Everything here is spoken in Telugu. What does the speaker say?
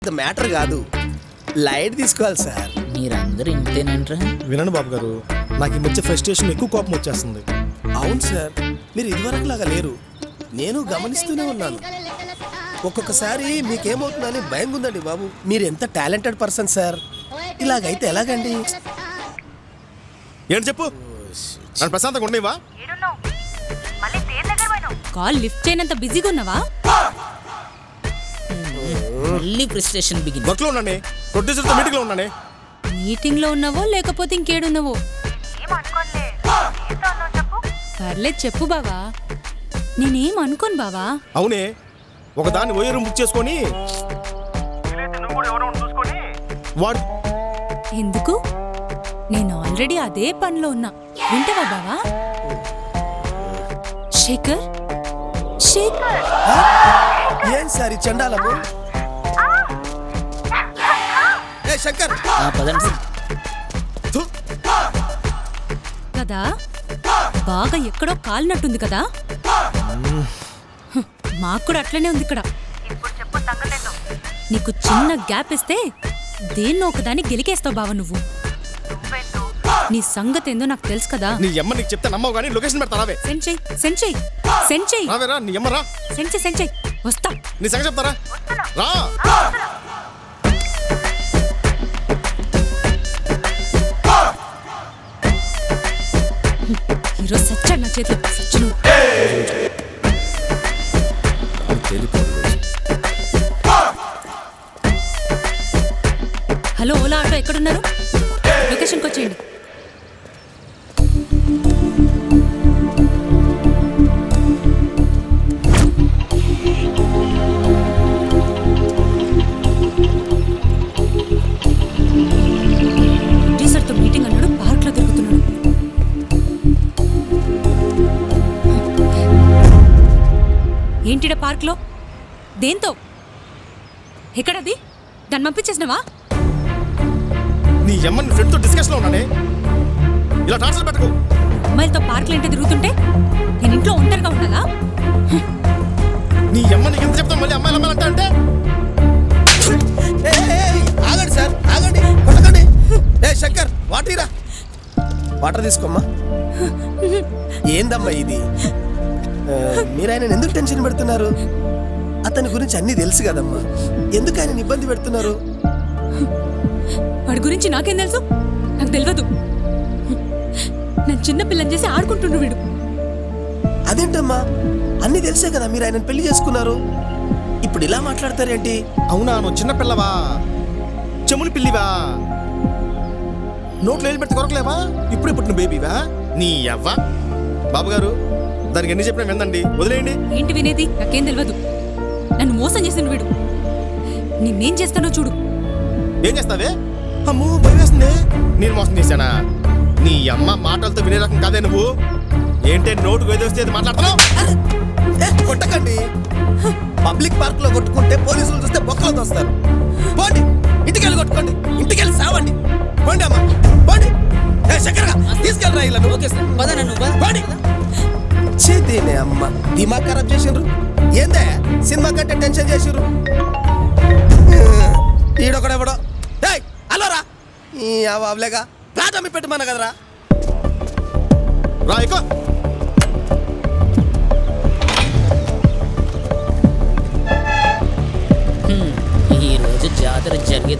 మ్యాటర్ కాదు, లైట్ తీసుకోవాలి సార్. మీరందరూ ఇంతేనంటారా? వినండి బాబు గారు, నాకు ఈ మధ్య ఫ్రస్ట్రేషన్ ఎక్కువ కోపం వచ్చేస్తుంది. అవును సార్, మీరు ఇదివరకు లాగా లేరు. నేను గమనిస్తూనే ఉన్నాను. ఒక్కొక్కసారి మీకేమవుతుందని భయం ఉందండి బాబు. మీరు ఎంత టాలెంటెడ్ పర్సన్ సార్. ఇలాగైతే ఎలాగండి? ఏంటి చెప్పు, నన్ను ప్రశాంతంగా ఉండేవా? కాల్ లిఫ్ట్ చేయనంత బిజీగా ఉన్నావా? మళ్ళీ ప్రెస్టేషన్ బిగిన్. వర్క్లో ఉన్నానే, ప్రొడ్యూసర్తో మీటింగ్లో ఉన్నానే. మీటింగ్ లో ఉన్నావో లేకపోతే ఇంకేడున్నావో? పర్లేదు చెప్పు బావా. నేనేం అనుకోను బావా. అవునే, ఒకదాన్ని ఓయర్ బుక్ చేసుకొని వాడు ఎందుకు? నేను ఆల్రెడీ అదే పనిలో ఉన్నా. వింటావా బావా? శేఖర్, శేఖర్ ఏం సార్ ఈ చండాలము? ఏ శంకర్, పదండి. థు. కదా, బాగా ఎక్కడో కాలినట్టుంది కదా. మాకు కూడా అట్లనే ఉంది ఇక్కడ. నీకు చిన్న గ్యాప్ ఇస్తే దేన్నో ఒకదాన్ని గెలికేస్తావు బావ నువ్వు. నీ సంగతి ఏందో నాకు తెలుసు కదా. నీ అమ్మ నీకు చెప్తే నమ్మవు కానీ లొకేషన్ పెడతారావే. సెండ్ చెయ్, సెండ్ చెయ్, సెండ్ చెయ్. రావేరా నీ అమ్మ, రా. సెండ్ చెయ్, సెండ్ చెయ్. వస్తా. నీ సంగతి చెప్తారా, రా. ఈరోజు సచ్చాడు నా చేతిలో. సచ్చును. హలో, ఓలా ఆటో ఎక్కడున్నారు? లొకేషన్కి వచ్చేయండి. టీచర్తో మీటింగ్ అన్నాడు, పార్క్లో తిరుగుతున్నాడు. ఏంటిడ పార్క్లో? దేంతో? ఎక్కడది? దాన్ని పంపించేసినవా? నీ అమ్మ నీ ఫ్రెండ్తో డిస్కషన్లో ఉన్నానే, ఇలా టార్చర్ పెట్టకు. అమ్మాయిలతో పార్క్లు ఏంటో తిరుగుతుంటే నేను ఇంట్లో ఒంటరిగా ఉండాలా? నీ అమ్మ నీకు ఎంత చెప్తాను, మళ్ళీ అమ్మాయిలు అమ్మాయిలు అంటే ఆగండి సార్, ఆగండి, కొట్టకండి. ఏ శంకర్, వాటరీరా. వాటర్ తీసుకోమ్మా. ఏందమ్మా ఇది? మీరు ఆయన ఎందుకు టెన్షన్ పెడుతున్నారు? అతని గురించి అన్నీ తెలుసు కదమ్మా, ఎందుకు ఆయన ఇబ్బంది పెడుతున్నారు? వాడి గురించి నాకేం తెలుసు? నాకు తెలియదు. నేను చిన్న పిల్లని చేసి ఆడుకుంటుండ్రు వీడు. అదేంటమ్మా, అన్నీ తెలిసే కదా మీరు ఆయన పెళ్లి చేసుకున్నారు. ఇప్పుడు ఇలా మాట్లాడతారేంటి? అవునా, నువ్వు చిన్న పిల్లవా, చెముని పిల్లివా, నోట్లో వేలు పెడితే కొరకలేవా, ఇప్పుడే పుట్టిన బేబీవా? నీ అవ్వ. బాబు గారు, దానికి ఎన్ని చెప్పినా విందండి, వదిలేయండి. ఏంటి వినేది? నాకేం తెలియదు. నన్ను మోసం చేసిన వీడు. నేనేం చేస్తానో చూడు. ఏం చేస్తావే? అమ్మో భయం వేస్తుంది. నేను మోసం చేశానా? నీ అమ్మ మాటలతో వినే రకం కాదే నువ్వు. ఏంటే నోటుకు వేదొస్తే మాట్లాడుతున్నావు? కొట్టకండి. పబ్లిక్ పార్క్ లో కొట్టుకుంటే పోలీసులు చూస్తే బొక్కలు తోస్తారు. పోండి, ఇంటికెళ్ళి కొట్టుకోండి, ఇంటికెళ్ళి సావండి. పోండి అమ్మా, పోండి. శంకర్గా తీసుకెళ్ళరా ఇలా. ఓకే సార్, పదనన్ను పోండి. చేతేనే అమ్మ దిమాగ్ ఖరాబ్ చేసిండ్రు. ఏందే సినిమా కంటే టెన్షన్ చేసిర్రు. ఈడొకడెవడో అలోరా ఈ అవలేగా ప్లాట్ అమ్మి పెట్టమన్నా కదరా. రా ఎక్కువ.